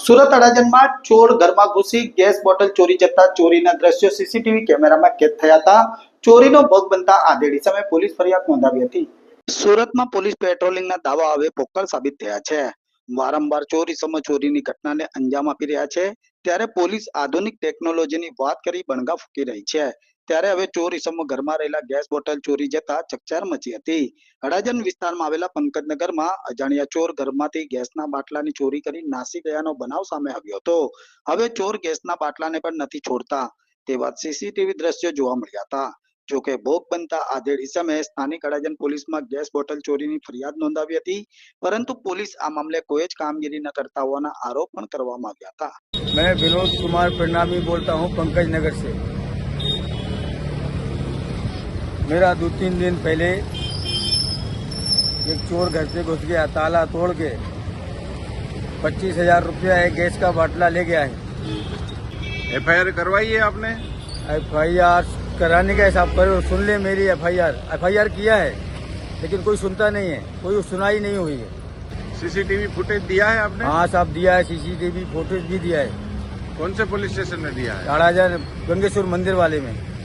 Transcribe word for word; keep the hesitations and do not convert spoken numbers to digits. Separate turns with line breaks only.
સુરત અડાજણમાં ચોર ઘરમાં ઘૂસી ગેસ બોટલ ચોરી જતા ચોરીના દ્રશ્યો સીસીટીવી કેમેરામાં કેદ થયા હતા. ચોરીનો ભોગ બનતા આધેડી સામે પોલીસ ફરિયાદ નોંધાવી હતી. સુરતમાં પોલીસ પેટ્રોલિંગના દાવા હવે પોકળ સાબિત થયા છે. વારંવાર ચોરી સમ ચોરીની ઘટનાને અંજામ આપી રહ્યા છે, ત્યારે પોલીસ આધુનિક ટેકનોલોજીની વાત કરી બણગા ફૂંકી રહી છે. ત્યારે હવે ચોરી સમ ઘરમાં રહેલા ગેસ બોટલ ચોરી જતા ચકચાર મચી હતી. અડાજણ વિસ્તારમાં આવેલા પંકજનગરમાં અજાણ્યા ચોર ઘરમાંથી ગેસના બાટલાની ચોરી કરી નાસી ગયાનો બનાવ સામે આવ્યો હતો. હવે ચોર ગેસના બાટલાને પણ નથી છોડતા તેવા સીસીટીવી દ્રશ્યો જોવા મળ્યા હતા. જોકે ભોગ બનતા આધેડી સામે સ્થાનિક અડાજણ પોલીસમાં ગેસ બોટલ ચોરીની ફરિયાદ નોંધાવી હતી, પરંતુ પોલીસ આ મામલે કોઈ જ કામગીરી ન કરતા હોવાના આરોપ પણ કરવામાં આવ્યા હતા.
मैं विनोद कुमार प्रणामी बोलता हूँ पंकज नगर से। मेरा दो तीन दिन पहले एक चोर घर से घुस गया, ताला तोड़ के पच्चीस हजार रुपया एक गैस का बाटला ले गया है।
एफ आई आर करवाई है आपने?
एफ आई आर कराने का हिसाब करो, सुन ले मेरी F I R F I R किया है, लेकिन कोई सुनता नहीं है, कोई सुनाई नहीं हुई है।
सीसीटीवी फुटेज दिया है आपने?
हाँ साहब दिया है, सीसीटीवी फुटेज भी दिया है।
कौन से पुलिस स्टेशन में दिया है?
अड़ाजन गंगेश्वर मंदिर वाले में।